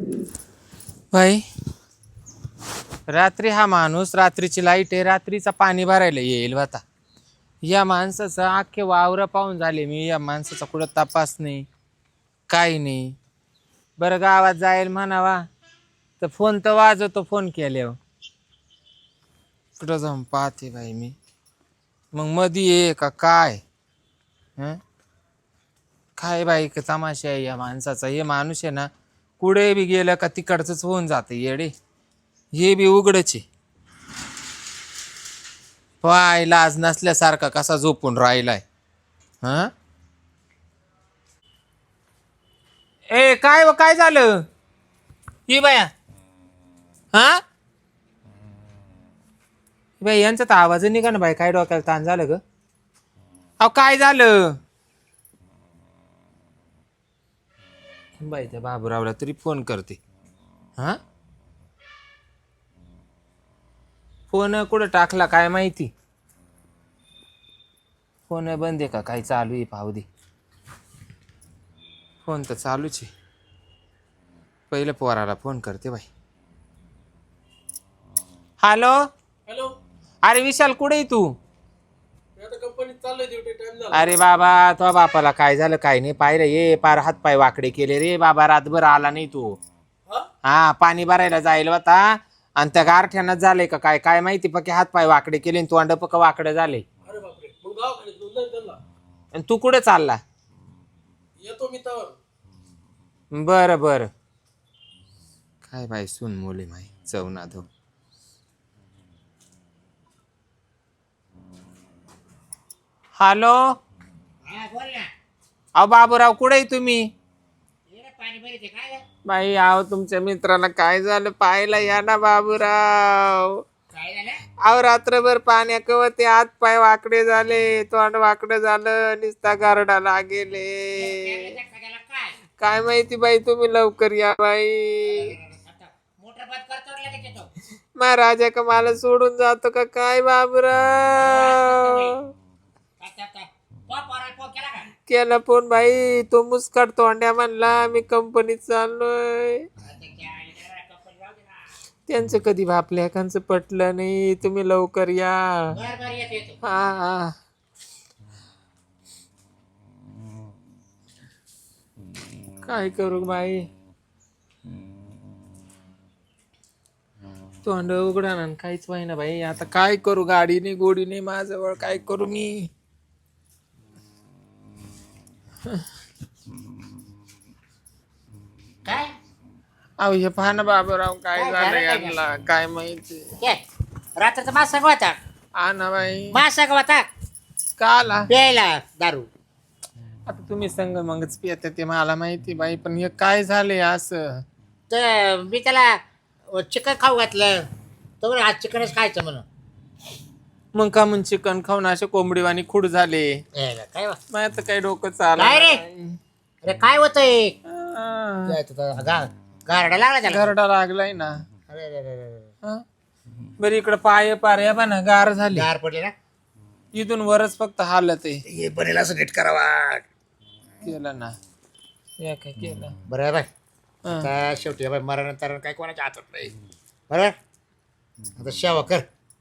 भाई रात्री हा माणूस रात्रीची लाईट आहे रात्रीचा पाणी भरायला येईल आता या माणसाचं अख्खे वावर पाहून झाले मी या माणसाचा कुठं तपास नाही काही नाही बरं गावात जाईल म्हणावा तर फोन तर वाजवतो फोन केल्यावर कुठं जाऊन पाहते बाई मी मग मधी आहे का काय हं? काय बाई का तमाशा आहे या माणसाचा हे माणूस आहे ना कुठे बी गेलं का तिकडचंच होऊन जाते येडे हे बी उघडचे पाय लाज नसल्यासारखा कसा झोपून राहिलाय हा ए काय काय झालं ही बाया हा बाई यांचा तर आवाज निघा ना बाई काय डोक्याला ताण झालं ग अहो काय झालं बाई त्या बाबूरावला तरी फोन करते हा फोन कुठं टाकला काय माहिती फोन बंद आहे का काही चालू आहे पाहू दे फोन तर चालूच आहे पहिले पोराला फोन करते बाई हॅलो हॅलो. अरे विशाल कुठे आहे तू मी आता कंपनीत चाललोय, ड्युटी टाइम झाला. अरे बाबा तो बापाला काय झालं काय नाही पाहिलं ये पार हात पाय वाकडे केले रे बाबा रातभर आला नाही तू हा? हा पाणी भरायला जाईल होता आणि त्या गारठ्यानं झालंय का काय काय माहिती पक्के हात पाय वाकडे केले आणि तोंड पक्क वाकडं झाले अरे बापरे, मग गावाकडे घेऊन जाईन त्यांना. आणि तू कुठे चालला येतो मी तर. बरं बरं काय बाई सून मोली माई चवना धो हॅलो हा बोल ना. अहो बाबूराव कुठे आहे तुम्ही ये रे पाणी भरीत आहे काय रे? बाई अहो तुमच्या मित्राला काय झालं पाहायला या ना बाबूराव काय झालं? अहो रात्रभर पाण्या कवते हात पाय वाकडे झाले तोंड वाकडं झालं निस्ता गारडाला गेले त्याला सगळ्याला काय? काय माहिती बाई तुम्ही लवकर या बाई आता मोटर बंद करतो रे लगेच येतो. महाराजा का मला सोडून जातो का काय बाबूराव काय? तो पोराला फोन केला का? केला फोन बाई तो मुस्काट तोंड्या म्हणला मी कंपनीत चाललोय आता त्या आईला कंपनी जाऊ दे ना. त्यांचं कधी बापल्याकांचं पटलं नाही तुम्ही लवकर या बर येतो येतो. हा हा काय करू बाई तोंड उघडा ना काहीच ना बाई आता काय करू गाडी नाही गोडी नाही माझ्याजवळ काय करू मी काय? अहो हे पहा ना बाबूराव काय काय झालं झालं काय यांना काय माहिती काय? रात्रीचा मास सांगवाता. हा ना बाई मास सांगवाता का आला प्यायला दारू. आता तुम्ही संग मगच पियत ते मला माहिती बाई पण हे काय झालंय असं तर मी त्याला चिकन खाऊ घातलं. तो म्हणे आज चिकनच खायचं म्हणून. मग का म्हणून चिकन खाऊन असे कोंबडीवाणी खुड झाले यायला काय वा? माझ्या तर काही डोकं काय रे? चाललं अरे काय होतंय? नाही. गारडा लागला त्याला. घरडा लागलाय ना अरे अरे अरे अरे. हा? बरं इकडं पाय पार्या बा ना गार झाली गार पडले ना. इथून वरच फक्त हालत आहे हे बनेल असं नीट करावा. केलं ना या काय केलं बरं आहे बाय. हा. आता शेवटी बाय मरानंतर काय कोणाच्या हातात नाही. बरं आता शेवा कर.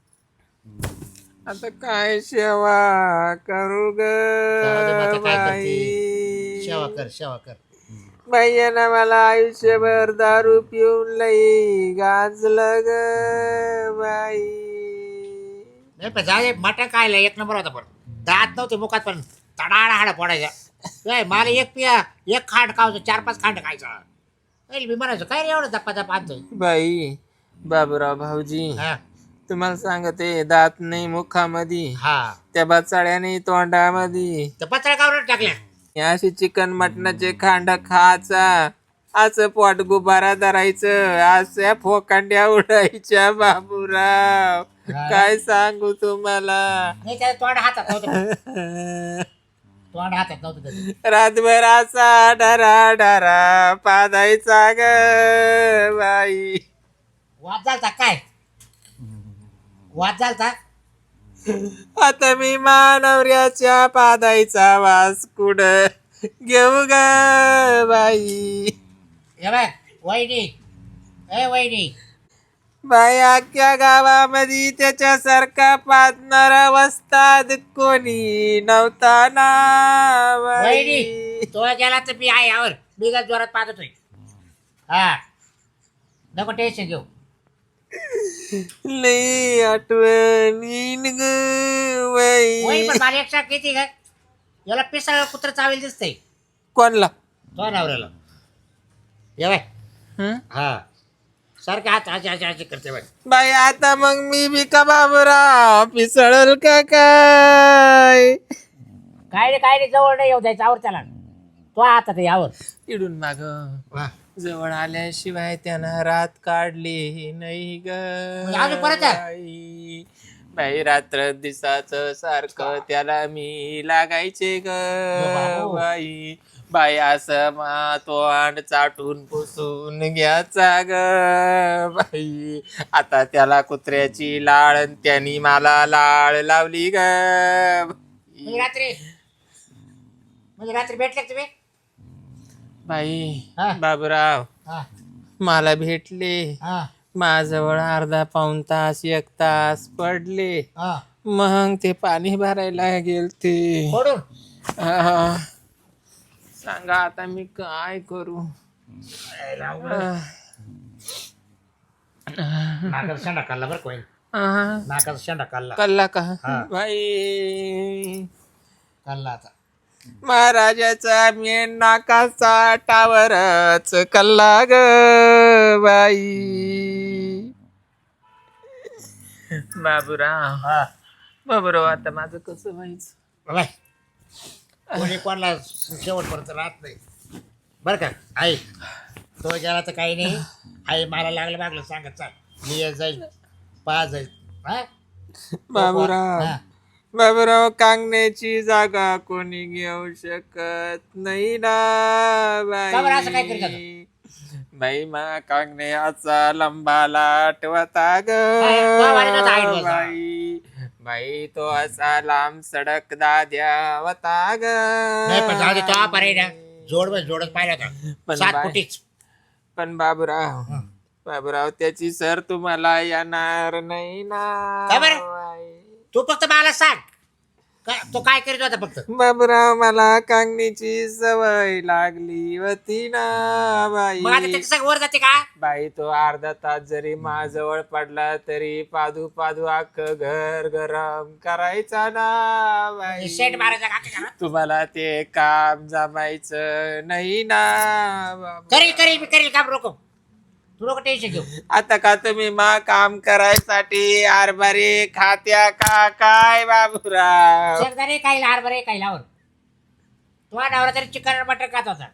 आता काय सेवा करू ग जाऊ दे मग आता काय करते? बाई शेवा कर शेवा कर. बाईनं मला आयुष्यभर दारू पिऊन लई गाजलं ग बाई नाही पण जाऊ दे. मटण खायला एक नंबर होता पण दात नव्हते मुखात पण तडाडा हाडा फोडायचा. काय मला एक पिया एक खांड खायचं 4-5 खांड खायचा. मी म्हणायचो काय रे एवढं धप्पा धप्पा आणतोय. बाई बाबूराव भाऊजी हा तुम्हाला सांगते दात नाही मुखामध्ये हा त्या बचाड्याने तोंडामध्ये तर पत्रा कावरून टाकल्या. अशी चिकन मटणाचे खांड खायचा असं पोट गुबारा धरायचं अशा फोकांड्या उडायच्या बाबूराव काय सांगू तुम्हाला नाही त्याला तोंड हातात नव्हतं. तोंड हातात नव्हतं त्याचं. रातभर असा डरा डरा पादायचा ग बाई वाद झालता काय? वाद झालता. आता मी मानवऱ्याच्या पादायचा वास कुड घेऊ ग बाई हे बाय वहिनी ए वहिनी बाई अख्ख्या गावामध्ये त्याच्यासारखा पाजणारा वस्ताद कोणी नव्हता ना वहिनी बाई. तो गेला तर मी आहे यावर मी काय जोरात पाहतोय हा नको टेन्शन घेऊ लई आठवण येईन ग वहिनी पण बाई. मला एक किती काय याला पिसाळ कुत्र चावेल दिसतंय कोणला तो नवऱ्याला ये बाय हं? हा सारखे हात आजी आजी आजी करते बाय बाई आता मग मी बी का बाबूराव पिसळल का काय काय रे जवळ नाही येऊ द्यायचं आवर त्याला तो हातात आहे यावर इडून माग वा. जवळ आल्याशिवाय त्यानं रात काढली नाही ग म्हणजे अजून परत आहे? बाई. बाई रात्र दिसाचं सारखं त्याला मी लागायचे ग बाबू. बाई बाई असं मा तो अंड चाटून पुसून घ्यायचा ग बाई आता त्याला कुत्र्याची लाळ अन त्यानी मला लाळ लावली ग म्हणजे रात्री भेटले का तुम्ही बाई हा. बाबूराव हा मला भेटले हा माझ्याजवळ अर्धा पाऊण तास 1 तास पडले हा मग ते पाणी भरायला गेलते फोडून आह, सांगा आता मी काय करू नाकाचा शेंडा काढला बरं कोण नाकाचा शेंडा काढला कल्ला का हा. बाई काढला आता महाराजाचा मेन नाकाचा टावरच कल्ला ग बाई बाबूराव हा बाबूराव आता माझं कसं व्हायचं बाय कोणी कोणाला शेवटपर्यंत राहत नाही बरं का आई तो गेला तर काही नाही आई मला लागलं मागलं सांगत चाल मी येत जाईल पाच जाईल हा बाबूराव हा. बाबूराव कांगण्याची जागा कोणी घेऊ शकत नाही ना का बरं असं काय करत बाई बाई मा कांगण्याचा लंबाला ठेवता ग तो वारीत होता आईत बसा. बाई बाई तो असा लांब सडक दाद्या होता ग नाही पण जाऊ दे तो पर्याय ना जोडच पाहिला पण होता 7 बाय- फुटीच पण बाबूराव बाबूराव त्याची सर तुम्हाला येणार नाही ना का बरं? बाई. तू फक्त मला सांग तो काय करीत होता फक्त बाबूराव मला कांगणीची सवय लागली होती ना मग आता बाई त्याच्या सगळं वर जाते का बाई तो अर्धा तास जरी माझ्याजवळ पडला तरी पादू पादू अख्खं घर गरम करायचा ना बाई शेट मारायचा का काय तुम्हाला ते काम जमायचं नाही ना बाबू. करेल मी करेल काम रोको तू नको टेन्शन घेऊ आता का तुम्ही मा काम करायसाठी आरबारी खात्या का काय बाबूराव शेतकरी काही हरभरे काही लावर तो नवरा तरी चिकन मटन खात होता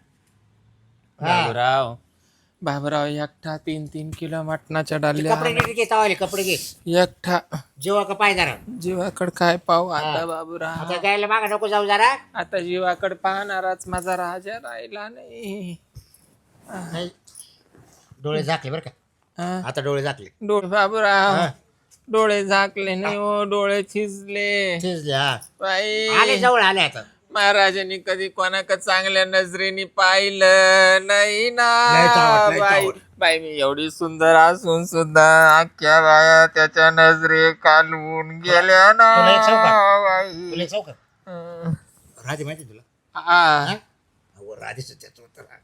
बाबूराव बाबूराव एकटा 3-3 किलो मटणाच्या डाल्या कपडे नीट घे तवाले कपडे घे एकटा जेव्हा का पाय जरा जीवाकड काय पाहू आता हा. बाबूराव आता गायला मागा नको जाऊ जरा आता जीवाकड पाहणाराच माझा राजा राहिला नाही नाही. डोळे झाकले बरं का हा? आता डोळे झाकले डोळे बाबूराव हा. डोळे झाकले नाही हो डोळे थिजले शिजले हा बाई आले जवळ आले आता महाराजांनी कधी कोणाक चांगल्या नजरेने पाहिलं नाही ना लय चावट, लय बाई चावट. बाई मी एवढी सुंदर असून सुद्धा अख्ख्या बाया त्याच्या नजरे कालवून गेल्या ना तुला एक सांगू का? बाई तुला एक सांगू का हं. राधे माहिती तुला हा. हो राधेच त्याचं होतं ना.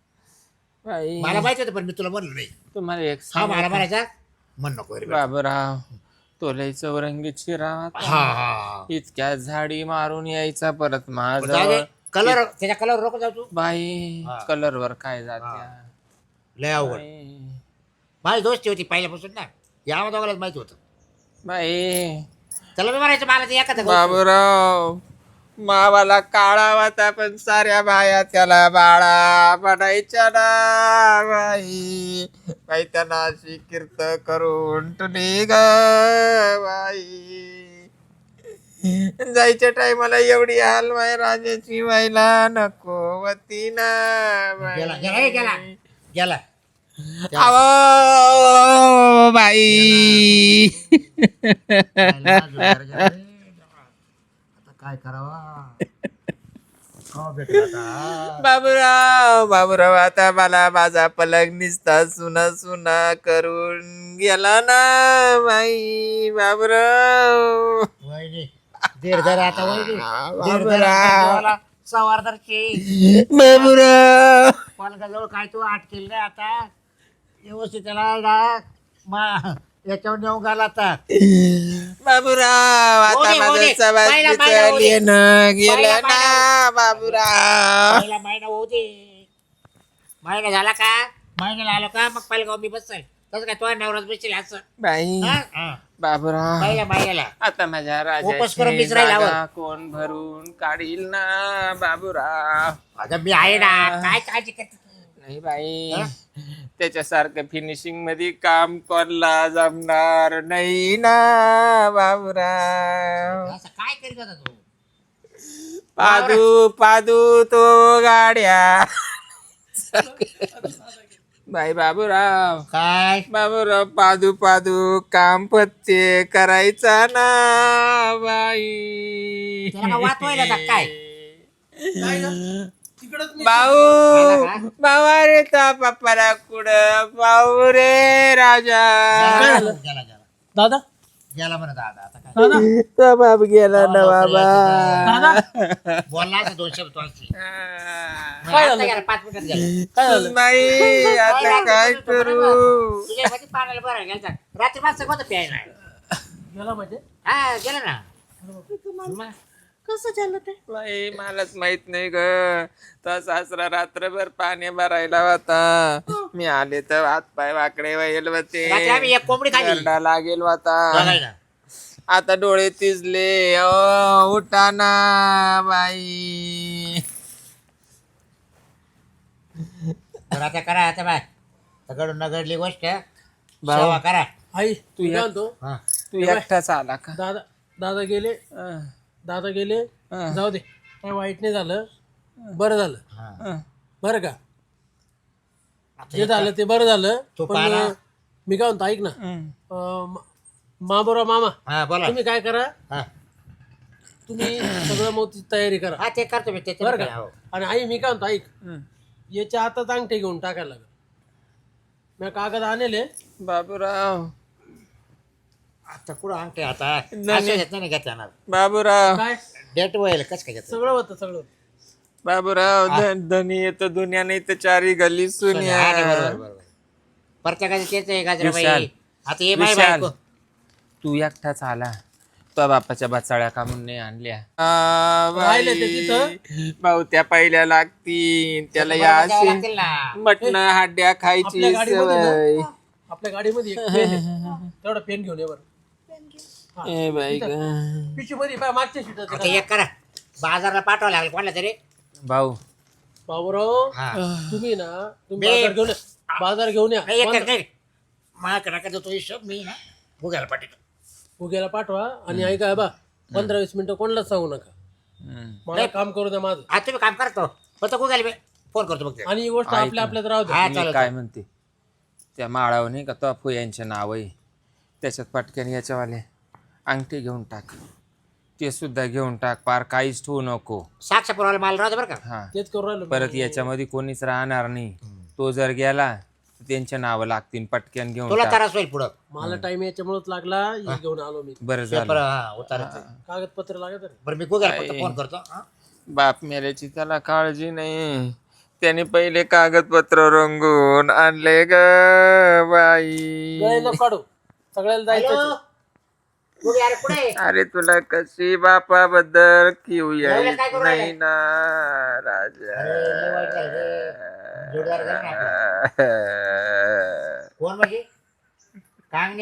बाई मला माहिती होतं पण मी तुला म्हणलो नाही तुम्हाला एक हा सांगू मला का? म्हणायचा म्हण नको रे बा. बाबूराव तो लय चौरंगीची राहत हा हा इतक्या झाडी मारून यायचा परत जाऊ माझा दे कलर त्याच्या कलर रोक जाऊ तू बाई हा. कलर वर काय जात्या लय अवघड बाई. माझी दोस्ती होती पहिल्यापासून ना या दोघालाच माहिती होतं बाई त्याला मी म्हणायचं मला ते एखादं बाबूराव मावाला काळा होता पण साऱ्या बाया त्याला बाळा बनायच्या ना बाई बाई त्यांना अशी कीर्त करून तुली ग बाई जायच्या टायमाला एवढी हाल माय राजाची व्हायला नको होती ना गेला गेला हे गेला बाई गेला आवो बाई आता काय करावा हो भेटला आता. बाबूराव आता मला माझा पलंग निसता सुना सुना करून गेला ना बाई बाबूराव. वहिनी दीड धर आता वहिनी दीड धर देवाला सवारदारची बाबूराव पालकाजवळ काय तू आठ केली नाही आता व्यवस्थित त्याला याच्यावर नेऊन घाल आता. बाबूराव आता होऊ दे. माझं पहिला महिना होऊ दे. येणं गेलं पहिला ना बाबूराव. पहिला महिना होऊ दे. महिना झाला का महिन्याला आलो का मग पहिला मी बसेल तसं काय तो नवराच बसेल असं बाई बाबूराव पहिल्या महिन्याला आता माझ्या वापस करून राजाची मिसरायला हवं. जागा कोण भरून काढील ना बाबूराव. आता मी आहे ना काय काळजी करते नाही बाई हा? त्याच्यासारखं फिनिशिंग मध्ये काम कोणला जमणार नाही ना बाबूराव. असं काय करीत होता तू पादू तो गाड्या बाई बाबूराव काय बाबूराव पादू काम पत्ते करायचा ना बाई. त्याला का वाचवायला का काय काय गं? तिकडंच मी भाऊ रे ता पप्पाला कुठं भाऊ रे राजा. गेला दादा गेला म्हणा दादा आता काय दादा तो बाप गेला ना बाबा. दादा बोलला असं 2 शब्द वाचले. काय झालं? आता गेला 5 मिनिटात गेला काय झालं? बाई आता काय करू. तुझ्या मध्ये पाण्याला बरं गेला रात्री मागचं कोणतं प्यायला गेला म्हणजे हा गेला ना मग कसं झालं ते बाई मलाच माहित नाही ग. तो सासरा रात्रभर पाणी भरायला होता. मी आले तर हात पाय वाकडे व्हायला रात्री होते. आम्ही एक कोंबडी खाली गरडा लागेल होता. बघायला. आता डोळे तिजले. ओ उठा ना बाई. तर आता करा आता बाय सगळं नगडली गोष्ट भाऊ. सेवा करा आई तू या- काय म्हणतो हा. तू एकटाच आला का. दादा दादा गेले दादा गेले हा. जाऊ दे काय वाईट नाही झालं बरं झालं हा. बरं का आता जे हे झालं ते बरं झालं तो पण पाहा. मी काय म्हणतो ऐक ना मामा हा बोला तुम्ही काय करा हा तुम्ही सगळं मोठी तयारी करा हा, ते करतो मी बरं ते का आणि आई मी काय म्हणतो ऐक याच्या हातात अंगठे घेऊन टाकायला लागल मी कागद आणले बाबूराव आता कुठं आणते आता नाही. असं घेत नाही घेत येणार बाबूराव काय डेट व्हायला कसं काय घेत सगळं होतं सगळं होतं. बाबूराव धनी येतो दुनिया नाही तर चारी गली सुनिया. प्रत्येकाचे तेच आहे गाजराबाई विशाल. आता हे माय विशाल. बायको तू एकटाच आला तो बापाच्या बचाळ्या कामून नाही आणल्या. राहिले ते तिथं. भाऊ त्या पहिल्या लागतील त्याला या बरोबर द्यावं अशी लागतील ना. मटण हाड्या खायची आपल्या गाडीमध्ये ना, सवय. आपल्या गाडीमध्ये एक पेन आहे तेवढा पेन घेऊन ये बरं ए बाई ग. पिशवी मध्ये पाय मागच्या सीटात आता एक करा बाजारला पाठवावं लागेल कोणाला तरी भाऊ बाबूराव हा. तुम्ही ना तुम्ही मी- बाजार घेऊन या बाजार घेऊन या नाही, एक कर, नाही माझ्याकडे नका देतो हिशोब मी ना भुग्याला पाठवतो उग्याला पाठवा आणि ऐका बा 15-20 मिनिटं कोणालाच सांगू नका मला काम करू द्या माझं आता तुम्ही काम करतो फक्त गुगल फोन करतो बघ आणि ही गोष्ट ऐक आपल्या आपल्यात राहू द्या हा मी चालेल काय म्हणते त्या माळावर नाही का तो फुयांचे नाव आहे त्याच्यात पटकन याच्यावाले अंगठी घेऊन टाक ते सुद्धा घेऊन टाक पार काहीच ठेवू नको. साक्ष पुरवायला माल राहतो बरं का हा तेच करू राहिलो परत याच्यामध्ये कोणीच राहणार नाही. तो जर गेला तर त्यांचे नावं लागतील पटकन घेऊन तुला टाक. त्रास होईल पुढं मला टाइम याच्यामुळेच लागला हे घेऊन आलो मी बरं पेपर झालं. हा उतारायचं कागदपत्र लागत रे बरं मी गुगल फक्त फोन करतो हा. बाप मेल्याची त्याला काळजी नाही. त्याने पहिले कागदपत्र रंगून आणले ग बाई. गळे काढू सगळ्याला जायचं हॅलो गुगल अरे पुढे ये. अरे तुला कशी बापाबद्दल किव एवढं काय करू नाही राहिले? ना राजा. अरे, लय वाईट झालं रे. जोडीदार झाला ना आपला. कोण म्हणजे कांगणे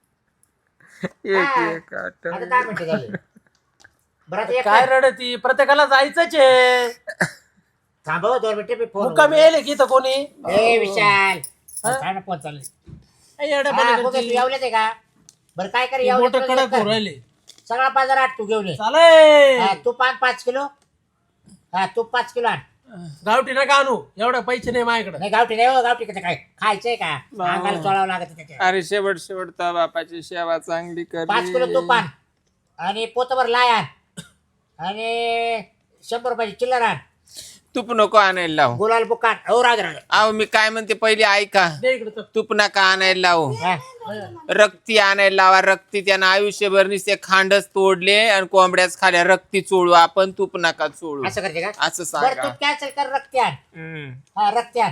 एक आठवण. आता 10 मिनिटं झाले बरं आता एक काय रडती प्रत्येकाला जायचंच आहे थांबव 2 मिनिटं मी फोन मुक्कामी येईल की इथं कोणी ए विशाल काय ना फोन चालू ए, येड्यापणी हा, करती. तू यावलेच आहे का बरं काय कर ते यावले बोटं तुला कडक कर. होऊ राहिले सगळा बाजार आठ तू घेऊन ये चालेल हा, तू 5 किलो हा तू 5 किलो आण गावठी नका आणू एवढे पैसे नाही माझ्याकडे नाही गावठी नाही हो गावठी कसं काय खायचंय का अंगाला चोळावं लागत त्याच्या अरे शेवट तर बापाची सेवा चांगली 5 किलो तू कर. पान आणि पोतभर लाय आण आणि 100 रुपयाची चिल्लर आण तूप नको आणायला लावू. गुलाल बुकान हो राज राज अहो मी काय म्हणते पहिले ऐका. दे इकडे तर. तूप नका आणायला लावू. रक्ती आणायला लावा. रक्ती त्यानं आयुष्यभर नुसते खांडच तोडले आणि कोंबड्याच खाल्या. रक्ती चोळू आपण, तूप नका चोळू असं करते का असं बरं सांगा. तू कॅन्सल कर रक्त्यान हा रक्त्यान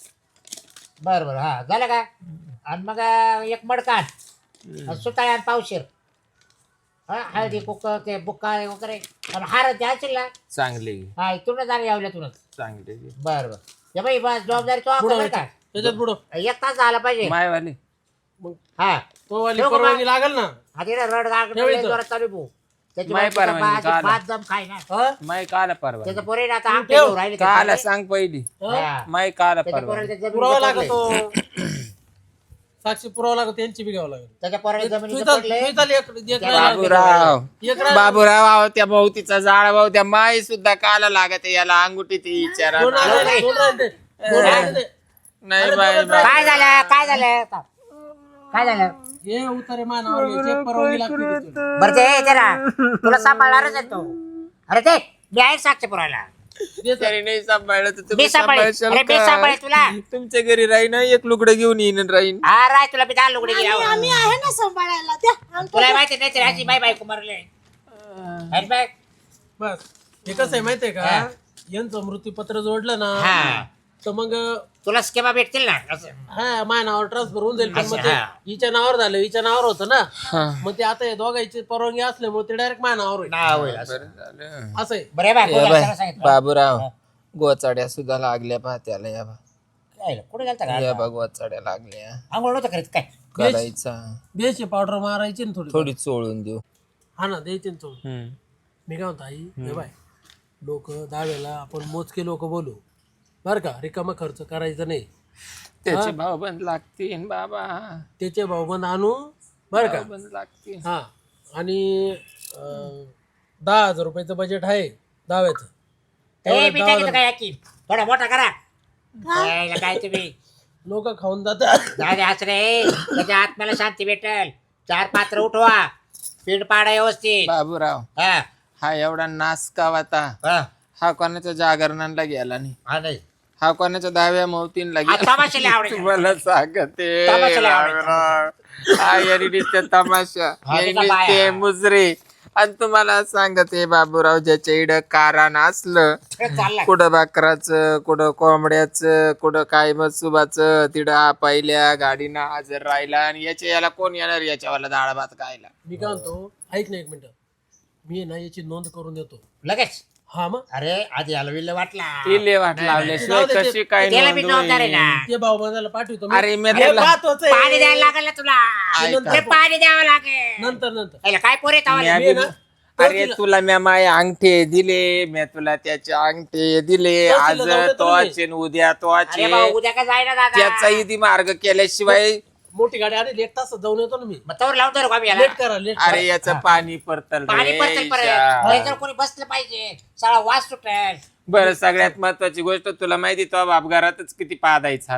बर बर हा झालं का आणि मग एक मडकान सुताळ्या आणि पावशीर हा हळदी कुक ते बुक्का वगैरे आणि हार द्यायचे ना चांगले हा इथूनच झाले यावल्यातूनच चांगले बर बर ये बाई बस जबाबदारी तो पुढं बरं का त्याच्यात पुढं एक तास झाला पाहिजे मायवाले. मग हा तो वाली ठेवू का परवानगी लागेल ना. आधी रड गाग ठेव इथं. जोरात चालू भाऊ त्याची माय बायको परवानगी बाज- काला. बाज दम खाय ना हा? माय काला परवा. त्याचं पोरे ना आता तू आमटे ठेव. घेऊन राहिले काला त्याचे. सांग पहिली. हा. माय काला त्याच्या परवा. पोराला त्या पुरावा जमिनीचं पडलंय. लागतो. साक्षी पुरावा लागतो त्यांची बी घ्यावं लागेल. त्याच्या पोराला जमिनीचं तुझं- पडलंय. तुझं एक त्या राहिला. बाबूराव एक राहिला. बाबूराव अहो, त्या भाऊतीचा जाळ भाऊ त्या माई सुद्धा काला लागत आहे. याला अंगुठी ती विचारा. दोन राहिले, दोन राहिले. दोन राहिले. नाही अरे बाई दोन बाई. काय झालं काय झालं काय झालं हे उतारे मानावर घ्यायचे, परवानगी लागते तिथून. बरं ते जरा तुला सांभाळणारच आहे तो अरे ते मी आहे साक्ष पुरायला दे तर. तरी नाही सांभाळलं तर मी तुम्ही सांभाळेल सांभाळशाल अरे मी का? सांभाळेल तुला तुमच्या घरी राहीन एक लुगडं घेऊन येईन राहीन. हा राय तुला मी दाल लुगडे गेला आम्ही आहे ना सांभाळायला त्या आमचं तुला माहिती नाही तर अशी बाय बायको मारले अरे बाय बस हे कसं आहे माहितीये का हा. यांचं मृत्यूपत्र जोडलं ना हा. तर मग तुला स्केमा भेटतील ना असं हा माझ्या नावावर ट्रान्सफर होऊन जाईल. पण असं, मग ते हा. हिच्या नावावर झालं, हिच्या नावावर होतं ना. हा. मग ते आता हे दोघांची परवानगी असल्यामुळे ते डायरेक्ट माझ्या नावावर होईल. नाव होईल असं. बरं झालं. असं आहे. बरं बाय या बाय, सांगितलं बाबूराव गोचाड्या सुद्धा लागल्या पाहत्याला. या बा काय कुठे गेलता या का बा गोचाड्या लागल्या. आंघोळ नव्हतं करीत काय करायचा द्यायची पावडर मारायची ना थोडी. थोडी चोळून देऊ. हा ना द्यायची ना थोडी. हम्म. मी काय म्हणतो आई हे बाय लोक दहावेला आपण मोजके लोक बोलू बरं का, रिकामा खर्च करायचा नाही. त्याचे भाव बंद लागतील बाबा. त्याचे भाऊबंद आणू बरं का. बंद लागतील. हा आणि 10,000 रुपयाचं बजेट आहे दहाव्याचं. ए मी टाकीतो काय याकी थोडा मोठा करा काय काय तुम्ही लोक खाऊन जातात. जाऊ असं रे त्याच्या आत्म्याला शांती भेटल 4 पात्र उठवा पीठ पाडा व्यवस्थित बाबूराव हा हा एवढा नासकाव आता. हा हा कोणाच्या जागरणाला गेला नाही. हा नाही हा कोणाच्या दहाव्या मौतीनला हा, गेला. तमाशाला आवडेल. तुम्हाला सांगते तमाशाला आवडेल. बाबूराव. हा याने नुसते तमाशा हा, याने तिचा नुसते बाया. मुजरे. आणि तुम्हाला सांगते बाबूराव ज्याच्या इड कारण असलं चालला कुठं बाकराचं कुठं कोंबड्याचं कुठं काय मसुबाचं तिडं हा पहिल्या गाडीनं हजर राहिला. आणि याला कोण येणार याच्यावाला डाळ भात खायला. मी काय म्हणतो ऐक ना एक मिनिट, मी ना याची नोंद करून देतो. लगेच हा मग अरे आधी याला विल्ल वाटला तिले वाट लावल्याशिवाय जाऊ दे, कशी काय त्याला मी नोंद जबाबदार आहे होईल? ना ते भाऊबंदाला पाठवतो मी. अरे मी हे तुला महत्वाचं आहे. पाणी द्यायला लागेल ना तुला ऐका. ते पाणी द्यावं लागेल नंतर नंतर याला काय पोरे तावाले? मी ना, अरे तुला मी माय अंगठे दिले. मी तुला त्याचे अंगठे दिले. आज तहसीलला जाऊ दे तो तुम्ही. अचेन उद्या तो अरे अचे. भाऊ उद्या काय जायना दादा त्याचा इथे मार्ग केल्याशिवाय मोठी गाडी आली लेट तास जाऊन येतो ना मी. मग तवर लावतो रे आम्ही याला लेट करा लेट अरे याचं पाणी परतल पाणी रे पडतं परत ईशा. त्याच्यावर कोणी बसलं पाहिजे सगळा वास सुटेल बरं सगळ्यात महत्वाची गोष्ट तुला माहिती तो बाप घरातच किती पादायचा.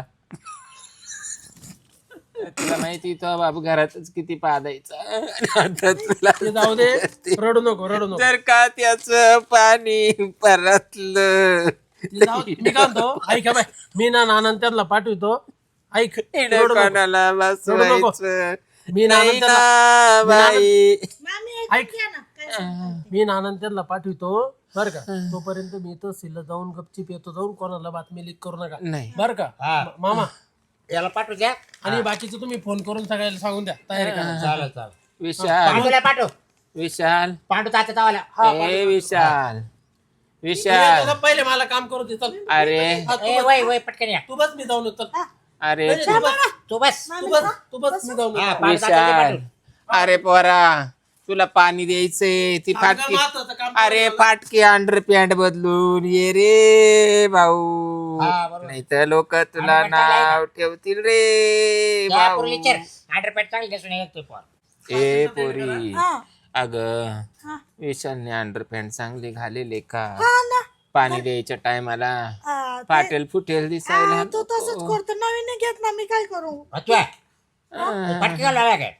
तुला माहिती तो बाप घरातच किती पादायचा. आता तुला ते जाऊ दे, रडू नको रडू नको. जर का त्याच पाणी परतलं ते जाऊ दे. मी काय म्हणतो ऐक हा बाय, मी ना नानांना त्यांना पाठवतो. ऐक रडू नको. कोणाला बसवायचं मी नाही नानांना ना बाई. मामी ऐक. ऐकून घ्या ना काय सांगते. मी नानांना त्यांना पाठवतो बरं का. तोपर्यंत मी तहसीलला जाऊन गपचीप येतो, जाऊन कोणाला बातमी लीक करू नका नाही बरं का. हा. मामा याला पाठवू द्या आणि बाकीचं तुम्ही फोन करून सगळ्याला सांगून द्या तयारी करा. चालेल चालेल विशाल पांडूला पाठव विशाल पांडू तात्या तावाला ए विशाल तू विशाल ये, पहिले मला काम करू दे चल. अरे हा, तू ए बस. वय वय पटकन या तू बस मी जाऊन येतो चल. अरे नाही, तू बस. तू बस तू बस मी जाऊन हा, येतो. पांडू तात्याला विशाल पाठव. अरे पोरा तुला पाणी द्यायचंय ती फाटकी. महत्वाचं काम अरे फाटकी अंडर पॅन्ट बदलून ये रे भाऊ. हा, बरोबर. नाही तर लोक तुला underpant चांगलं नाव ठेवतील रे त्या भाऊ. पुरलीचर अंडरपॅन्ट चांगली दिसून येतो पोर ए पोरी हा, अग हा. विशालने अंडरपॅन्ट चांगले घालेले का? हा ना पाणी द्यायच्या टायमाला हा, ते- फाटेल फुटेल दिसायला हा, तो तसंच करतो नवीन घेत ना मी काय करू फटकी घालायला काय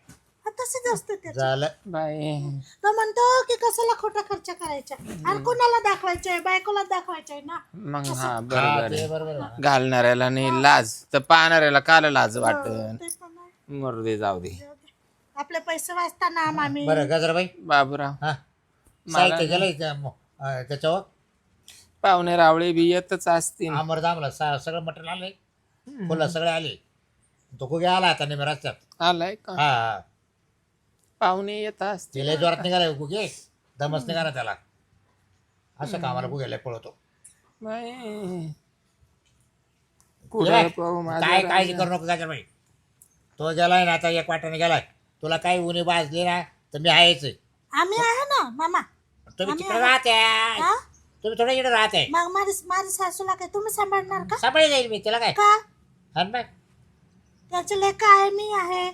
तसेच असते ते. झालं बाई तो म्हणतो की कशाला खोटा खर्च करायचा आणि कोणाला दाखवायचंय, बायकोला दाखवायचंय ना. मग हा हा, बरोबर ते आहे. बरोबर आहे. घालणाऱ्याला नाही लाज तर पाहणाऱ्याला काल लाज वाटत. ते पण आहे. मरू दे जाऊ दे. जाऊ दे. आपले पैसे वाचताना मामी. बरं गजराबाई बाबूराव हा साहित्य गेलंय त्याच्यावर पाहुणे रावळे बी येतच असतील. अमरदामला सगळं मटेरियल आलंय फुलं सगळे आले तो कुठे आला आता नेहमी रस्त्यात आलाय का हा हा पाहुणे येत असतील. तिला जोरात निघालाय कुठे दमच निघाला त्याला असं कामाला कुठे पळवतो बाई ये कुठे बाय, पाहू माझ्या काय काळजी करू नको गजराबाई तो गेलाय ना आता एक वाटाने गेलाय तुला काही उन्ही भाजली ना तर मी आहेच आम्ही आहे ना मामा. तुम्ही आम्ही तिकडे आहे. राहते हा? तुम्ही थोडं इकडे राहते मग माझी सासूला काय तुम्ही सांभाळणार का? सांभाळी जाईल मी तिला काय का हा ना त्याचे लेख आहे, मी आहे.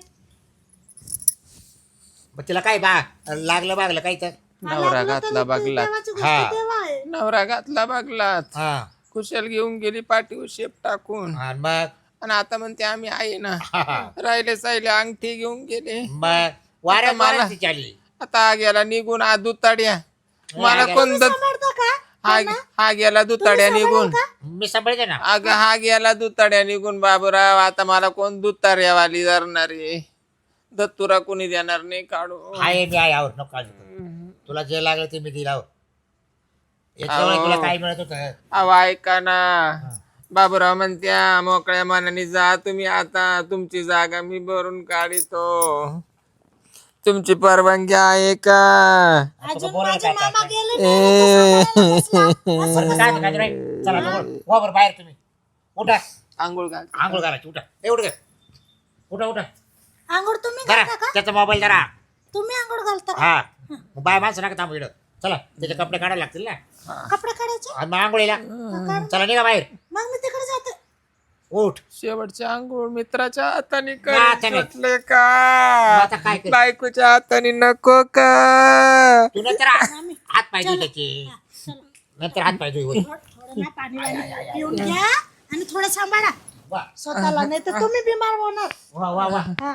मग तिला काय बा लागलं बागलं काही तर नवरा घातला बघला देवाची गोष्ट हा. देवा आहे. नवरा घातला बघलात हा कुशल घेऊन गेली पाठीवर शेप टाकून हा, मग आणि आता म्हणते आम्ही आहे ना. हा, हा. राहिले साहिले अंगठी घेऊन गेले. मग वाऱ्या मला- मारायची चालली आता हा गेला निघून हा दुताड्या मला गेला. कोण सांभाळता का? हा गेला दुताड्या निघून. मी सांभाळते ना अगं हा गेला दुताड्या निघून बाबूराव आता मला कोण दुतार्यावाली धरणार आहे. दत्तुरा कोणी देणार नाही काढू. आहे मी आहे आवर नको काळजी करू. तुला जे लागलं ते मी दिला याच्यामुळे अहो. तुला काय मिळत होतं अहो ऐका ना बाबूराव म्हणत्या मोकळ्या मनाने जा तुम्ही आता तुमची जागा मी भरून काढितो. तुमची परवानगी आहे का? अजून बोलायला माझे काय मामा काय? गेले नाही, तो सांभाळायला बसला. बरं, काय काय नाही. चला वा बरं बाहेर तुम्ही उठा आंघोळ घाल. आंघोळ करायची उठा ए उठ उठा उठा आंघोळ तुम्ही जरा घालता का? त्याचा मोबाईल जरा तुम्ही आंघोळ घालता का? हा मग बाय माणसं नका थांबू इकडं चला त्याचे कपडे काढायला लागतील ना कपडे काढायचे? आणि मग आंघोळीला चला निघा बाहेर मग मी तिकडे जाते. उठ शेवटचे आंघोळ मित्राच्या हाताने हाताने. म्हटले का आता काय कर बायकोच्या हाताने नको का? तू नंतर हात पाय धुई त्याचे चला. नंतर हात पाय धुई होईल थोडं ना पाणी वाणी पिऊन घ्या आणि थोडं सांभाळा वा स्वतःला, नाही तर तुम्ही बिमार होणार. वा वा वा हा.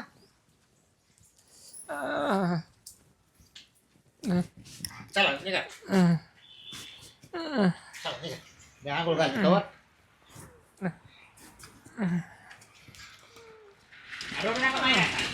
आह. चला निघा चला निघा मी आंघोळ घालतो तोवर. रडू नका बाहेर.